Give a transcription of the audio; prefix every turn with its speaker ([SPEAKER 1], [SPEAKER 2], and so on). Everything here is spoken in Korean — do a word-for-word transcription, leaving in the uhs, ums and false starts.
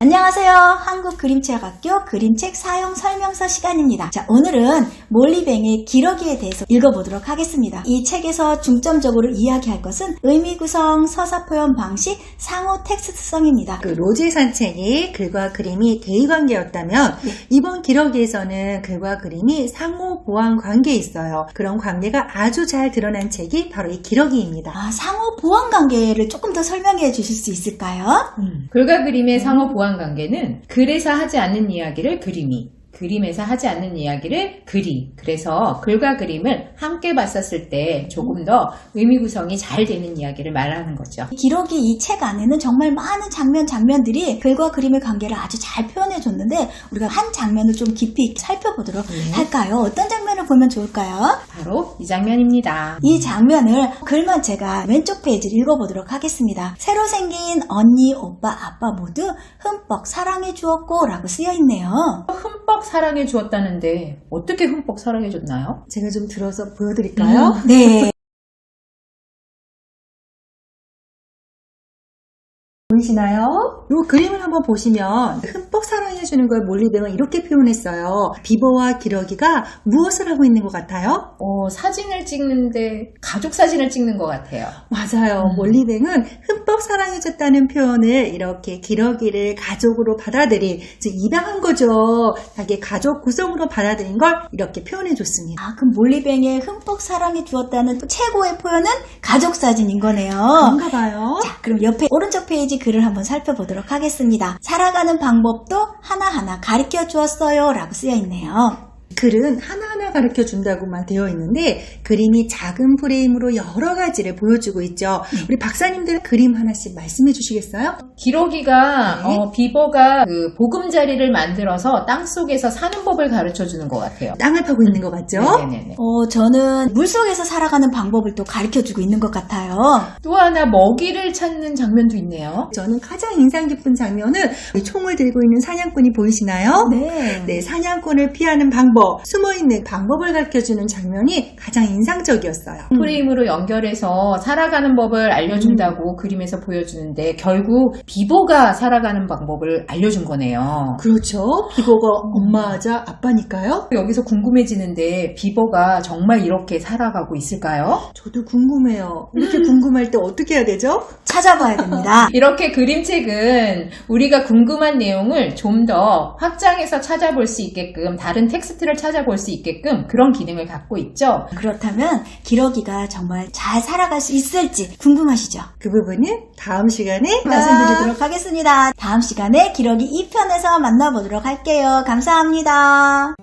[SPEAKER 1] 안녕하세요. 한국그림체학학교 그림책 사용 설명서 시간입니다. 자, 오늘은 몰리뱅의 기러기에 대해서 읽어보도록 하겠습니다. 이 책에서 중점적으로 이야기할 것은 의미 구성, 서사 표현 방식, 상호 텍스트성입니다.
[SPEAKER 2] 그 로즈의 산책이 글과 그림이 대의관계였다면
[SPEAKER 1] 네.
[SPEAKER 2] 이번 기러기에서는 글과 그림이 상호 보완 관계에 있어요. 그런 관계가 아주 잘 드러난 책이 바로 이 기러기입니다.
[SPEAKER 1] 아, 상호 보완 관계를 조금 더 설명해 주실 수 있을까요?
[SPEAKER 3] 음, 글과 그림의 상호 보완 관계는 글에서 하지 않는 이야기를 그림이, 그림에서 하지 않는 이야기를 글이, 그래서 글과 그림을 함께 봤었을 때 조금 더 의미 구성이 잘 되는 이야기를 말하는 거죠.
[SPEAKER 1] 기러기 이 책 안에는 정말 많은 장면 장면들이 글과 그림의 관계를 아주 잘 표현해 줬는데 우리가 한 장면을 좀 깊이 살펴보도록
[SPEAKER 3] 네.
[SPEAKER 1] 할까요? 어떤 장면을 보면 좋을까요?
[SPEAKER 3] 바로 이 장면입니다.
[SPEAKER 1] 이 장면을 글만 제가 왼쪽 페이지를 읽어보도록 하겠습니다. 새로 생긴 언니, 오빠, 아빠 모두 흠뻑 사랑해 주었고 라고 쓰여 있네요.
[SPEAKER 3] 흠뻑 사랑해 주었다는데 어떻게 흠뻑 사랑해 줬나요?
[SPEAKER 2] 제가 좀 들어서 보여드릴까요?
[SPEAKER 1] 네.
[SPEAKER 2] 보이시나요? 이 그림을 한번 보시면 흠뻑 사랑해주는 걸 몰리뱅은 이렇게 표현했어요. 비버와 기러기가 무엇을 하고 있는 것 같아요?
[SPEAKER 3] 어, 사진을 찍는데 가족 사진을 찍는 것 같아요.
[SPEAKER 2] 맞아요.
[SPEAKER 3] 음.
[SPEAKER 2] 몰리뱅은 흠뻑 사랑해줬다는 표현을 이렇게 기러기를 가족으로 받아들인, 즉 입양한 거죠. 자기 가족 구성으로 받아들인 걸 이렇게 표현해줬습니다.
[SPEAKER 1] 아, 그럼 몰리뱅의 흠뻑 사랑해 주었다는 또 최고의 표현은 가족 사진인 거네요.
[SPEAKER 2] 그런가 봐요.
[SPEAKER 1] 자, 그럼 옆에 오른쪽 페이지 글을 한번 살펴보도록 하겠습니다. 살아가는 방법도 하나하나 가르쳐 주었어요 라고 쓰여 있네요.
[SPEAKER 2] 글은 하나하나 가르쳐 준다고만 되어 있는데 그림이 작은 프레임으로 여러 가지를 보여주고 있죠. 우리 박사님들 그림 하나씩 말씀해 주시겠어요?
[SPEAKER 3] 기러기가
[SPEAKER 2] 네.
[SPEAKER 3] 어, 비버가 그 보금자리를 만들어서 땅 속에서 사는 법을 가르쳐 주는 것 같아요.
[SPEAKER 2] 땅을 파고 있는 거 맞죠?
[SPEAKER 3] 네네네.
[SPEAKER 1] 어, 저는 물속에서 살아가는 방법을 또 가르쳐 주고 있는 것 같아요.
[SPEAKER 3] 또 하나 먹이를 찾는 장면도 있네요.
[SPEAKER 2] 저는 가장 인상 깊은 장면은 이 총을 들고 있는 사냥꾼이 보이시나요?
[SPEAKER 1] 네.
[SPEAKER 2] 네, 사냥꾼을 피하는 방법, 숨어있는 방법을 가르쳐주는 장면이 가장 인상적이었어요.
[SPEAKER 3] 프레임으로 연결해서 살아가는 법을 알려준다고 그림에서 보여주는데 결국 비버가 살아가는 방법을 알려준 거네요.
[SPEAKER 2] 그렇죠. 비버가 엄마자 아빠니까요.
[SPEAKER 3] 여기서 궁금해지는데 비버가 정말 이렇게 살아가고 있을까요?
[SPEAKER 2] 저도 궁금해요. 이렇게 궁금할 때 어떻게 해야 되죠?
[SPEAKER 1] 찾아봐야 됩니다.
[SPEAKER 3] 이렇게 그림책은 우리가 궁금한 내용을 좀 더 확장해서 찾아볼 수 있게끔 다른 텍스트를 찾아볼 수 있게끔 그런 기능을 갖고 있죠.
[SPEAKER 1] 그렇다면 기러기가 정말 잘 살아갈 수 있을지 궁금하시죠?
[SPEAKER 2] 그 부분은 다음 시간에
[SPEAKER 1] 말씀드리도록 하겠습니다. 다음 시간에 기러기 이 편에서 만나보도록 할게요. 감사합니다.